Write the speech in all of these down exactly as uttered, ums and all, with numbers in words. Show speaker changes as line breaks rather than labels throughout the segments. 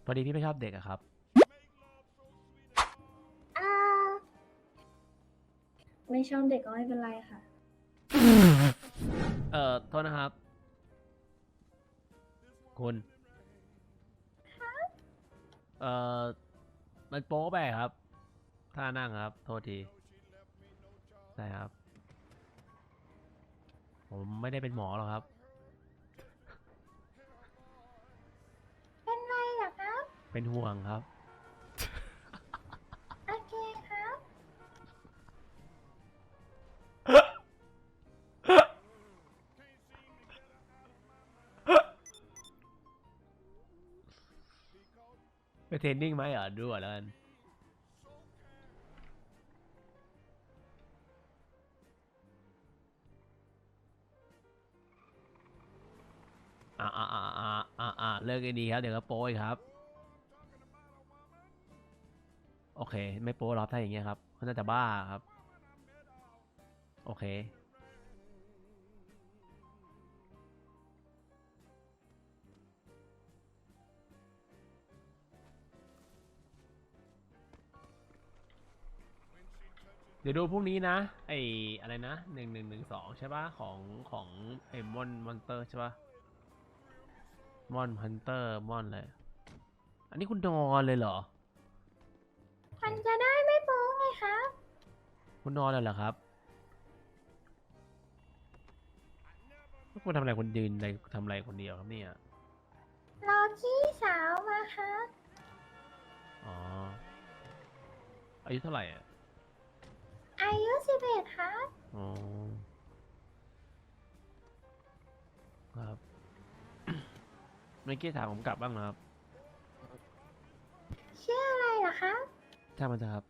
พอดีพี่ไม่ชอบเด็กอะครับ
อ่าไม่ชอบเด็กก็ไม่เป็นไรค่ะ
เอ่อโทษนะครับคุณเอ่อมันโป๊ไปครับท่านั่งครับโทษทีใช่ครับผมไม่ได้เป็นหมอหรอกครับ
เป็นไรเหรอครับ
เป็นห่วงครับ
โอเคครับ
ไปเทรนนิ่งไหมอ่ะดูก่อนแล้วกันอ่าอ่าอ่าอ่าอ่าอ่าเลิกกันดีครับเดี๋ยวก็โป๊อีกครับโอเคไม่โป๊หรอกถ้าอย่างเงี้ยครับเขาน่าจะบ้าครับโอเคเดี๋ยวดูพรุ่งนี้นะไออะไรนะหนึ่งหนึ่งหนึ่งสองใช่ปะของของไอมอนมอนเตอร์ใช่ปะมอนฮันเตอร์มอนเลยอันนี้คุณนอนเลยเหรอโอเค
มันจะได้ไม่โป๊ไงครับ
คุณนอนเลยเหรอครับคุณทำอะไรคนยืนอะไรทำอะไรคนเดียวครับเนี่ย
รอพี่สาวมาครับ
อ๋ออายุเท่าไหร่อ่ะ
อายุสิบเอ็ดครับ
อ๋อครับเมื่อกี้ถามผมกลับบ้างนะครับ
ชื่ออะไรเหรอครับ
ช่างมันเถอะครับ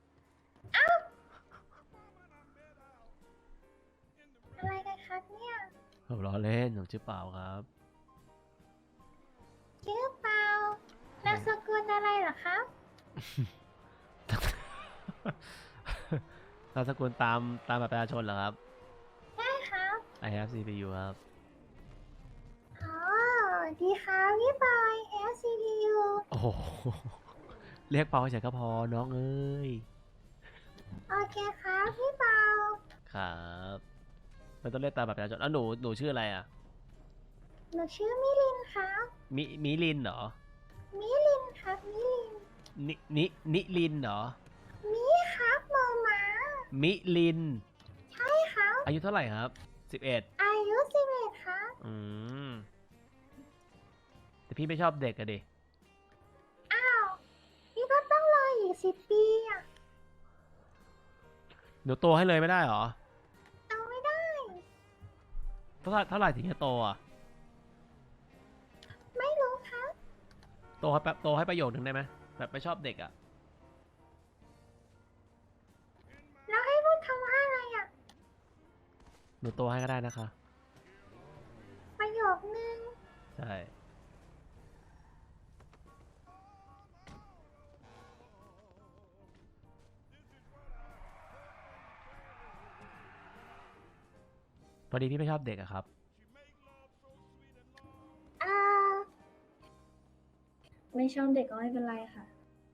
อะไรกันครับเนี่ย
ผมล้อเล่นผมชื่อเปล่าครับ
ชื่อเปานามสกุลอะไรเหรอครับ
นามสกุลตามตามบัตรประชาชนเหรอครับ
ใช่ครับ
I have ซี พี ยู ครับ
อ๋อ ดีครับพี่บอย แอล ซี พี ยู
โอ้โหเรียกเปาเฉยก็พอน้องเอ้ย
โอเคครับพี่เปา
ครับไม่ต้องเรียกตามบัตรประชาชนอ่ะหนูหนูชื่ออะไรอ่ะ
หนูชื่อมิลินครับ
มิมิลินเหรอ
มิลินครับมิลิน
นินินิลินเหรอ
มิครับโมมา
มิลิน
ใช่ครับ
อายุเท่าไหร่ครับสิบเอ็ด
อายุสิบเอ็ดครับ
อืมแต่พี่ไม่ชอบเด็กอะดิ
อ้าวนี่ก็ต้องรออีกสิบปีอ่ะ
หนูโตให้เลยไม่ได้เหรอ
เอาไม่ได้
เท่าไหร่เท่าไหร่ถึงจะโตอ่ะ
ไม่รู้ครับ
โตให้แป๊บโตให้ประโยคนึงได้ไหมแบบไม่ชอบเด็กอ่ะ
แล้วให้พูดคำว่าอะไรอ่ะ
หนูโตให้ก็ได้นะคะ
ประโยคนึง
ใช่พอดีพี่ไม่ชอบเด็กอะครับ
อ่า ไม่ชอบเด็กก็ไม่เป็นไรค่ะ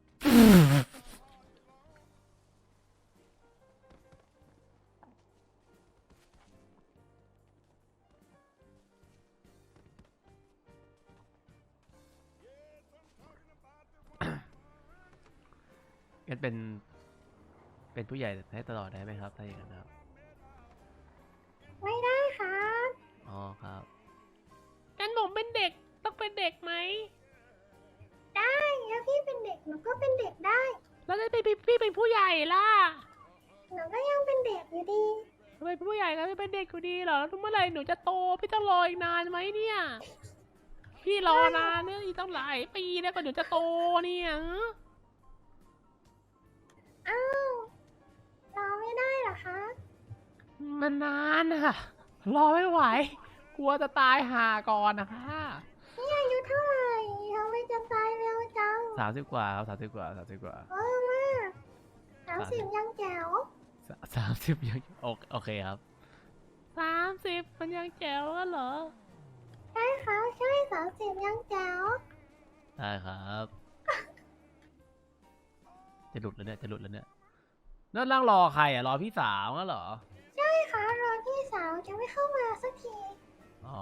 งั้นเป็นเป็นผู้ใหญ่ให้ตลอดได้ไหมครับถ้าอย่างนั้นครับ
ไม่ได้ครับ
อ๋อครับ
งั้นผมเป็นเด็กต้องเป็นเด็กไหม
ได้แล้วพี่เป็นเด็กหนูก็เป็นเด็กได้
แล้วถ้าพี่พี่เป็นผู้ใหญ่ล่ะ
หนูก็ยังเป็นเด็กอยู่ดี
ทำไมผู้ใหญ่ก็ไม่เป็นเด็กอยู่ดีเหรอแล้วเมื่อไหร่หนูจะโตพี่ต้องรออีกนานไหมเนี่ย พี่รอนานเนี่ยอีกตั้งหลายปีแล้วกว่าหนูจะโตเนี่ย
อ้าวรอไม่ได้เหรอคะ
มันนานอะรอไม่ไหว กลัวจะตายห่าก่อนนะคะ
นี่อายุเท่าไหร่ทำไมจะตายเร็วจัง
สามสิบกว่าครับสามสิบกว่าสามสิบกว่า
โอ้มากสามสิบยังแจ๋ว
สามสิบยังโอโอเคครับ
สามสิบมันยังแจ๋วกันเหรอ
ใช่ครับใช่สามสิบยังแจ๋ว
ได้ครับจะหลุดแล้วเนี่ยจะหลุดแล้วเนี่ยนั่นนั่งรอใครอ่ะรอพี่สาวงั้นเหรอ
ใช่ค่ะรอพี่สาวจะไม่เข้ามาสักที
อ๋อ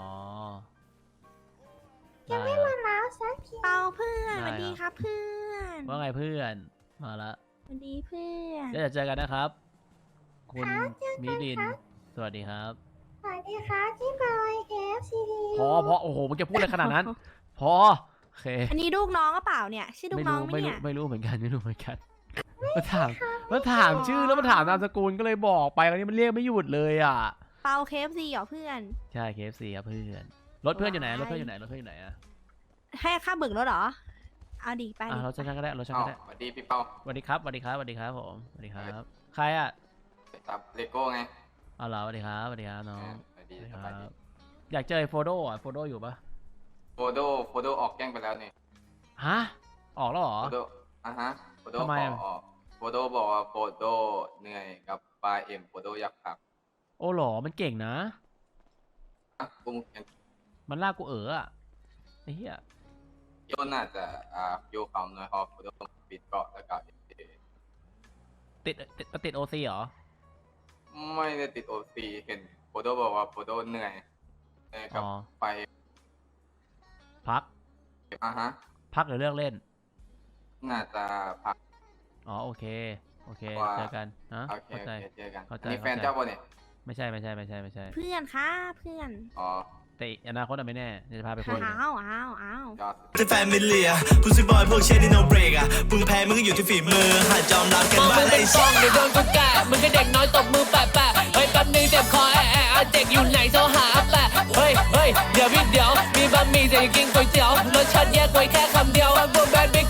จะไม่
ได้
มาแล้วสักที
เปาเพื่อนส
ได้
วัสดี
ครับ
ครับเพื่อน
ว่าไงเพื่อนมาละ
สวัสดีเพื่อน
เดี๋ยวจะเจอกันนะครับ คุณ
ครับเจอ
มิ
กัน
ลิน
ครับ
สวัสดีครับ
สวัสดีครับพี่บอยเอฟซีดี
พอพอโอ้โหมึงจะพูดอะไรขนาดนั้น พอโอเค
อันนี้ลูกน้องก็เปล่าเนี่ยชื่อลูก
ไม่
น้อ
รู้
งไหม
ไม่รู้
เนี่ย
ไม่รู้เหมือนกันไม่รู้เหมือนกันมาถามมาถามชื่อแล้วมาถามนามสกุลก็เลยบอกไปแล้วนี่มันเรียกไม่หยุดเลยอ่ะ
เปาเคฟซีเหรอเพื่อน
ใช่ เค เอฟ ซี ครับเพื่อนรถเพื่อนอยู่ไหนรถเพื่อนอยู่ไหนรถเพื่อนอยู่ไหนอะ
ให้ค่าเบิกรถเหรอเอาดีไป
อ่ะ
ดิ
รถฉันก็ได้รถฉัน
อ้า
ก็
ว
ได้
สวัสดีพี่เปา
สวัสดีครับสวัสดีครับสวัสดีครับผมสวัสดีครับ ใครอ่ะ
จับเลโก้ไง
อ๋อเหรอสวัสดีครับสวัสดีครับน้อง
สวัสดี
สวัสดี
ส
ค
บาย
รั
ดี
บอยากเจอไอ้โฟโดอ่ะโฟโดอยู่ปะ
โฟโดโฟโดออกแกล้งไปแล้วนี่
ฮะออกแล้วเหรอ
โฟโดอ่ะฮะโฟโด
ทำไม
ขอ
อะ
ออกโฟโดบอกว่าโฟโดเหนื่อยกับปลาเอ็มโฟโดอยากพัก
โอ้เหรอมันเก่งนะ
อ่ะกูมึงยัง
มันลากกูเอ๋ออ่ะไอ้เหี้ย
โยนน่าจะอ่าโยเขาหน่อยพอโฟโดปิดเกาะแล้วก็
ติดติดติดโอซีเหรอ
ไม่ได้ติดโอซีเห็นโฟโดบอกว่าโฟโดเหนื่อยเหนื่อยกับ
อ๋อ
ไป
พัก
อ่ะฮะ
พักหรือเลิกเล่น
น่าจะพัก
อ๋อโอเคโอเค
ว่า
เจอกันนะ
โอเค
เข้า
โอ
ใจ
เคเจอกัน
เข้าใจ
อันนี้แฟน
เข้าใจ
เจ้าป่ะเนี่ย
ไม่ใช่ไม่ใช่ไม่ใช่ไม่ใช่
เพื่อนค่ะเพื่อน
อ๋อ
แต่อนาคตอะไม่แน่เดี๋ยวจะพาไปคุย
อ้าวอ้าวอ้าว
ยอด
เป็นแฟนมิลเลียผู้ซื้อบอยพวกเชนที่ no break อ่ะมึงแพ้มึงก็อยู่ที่ฝีมือหาจอมรับกัน
มอง
บ้า
มึ
ง
ง
ไอ้
เป็นฟ
สั
อง
ส
เดี๋ยวโดนกูแกะมึงก็เด็กน้อยตบมือแปะแปะเฮ้ยแป๊บนึงเจ็บคอแอะแอะเด็กอยู่ไหนโทรหาแปะเฮ้ยเฮ้ยเดี๋ยวพี่เดี๋ยวมีบะหมี่จะกินก๋วยเตี๋ยวรสชาติแยกไว้แค่คำเดียวบางพวกแบดไม่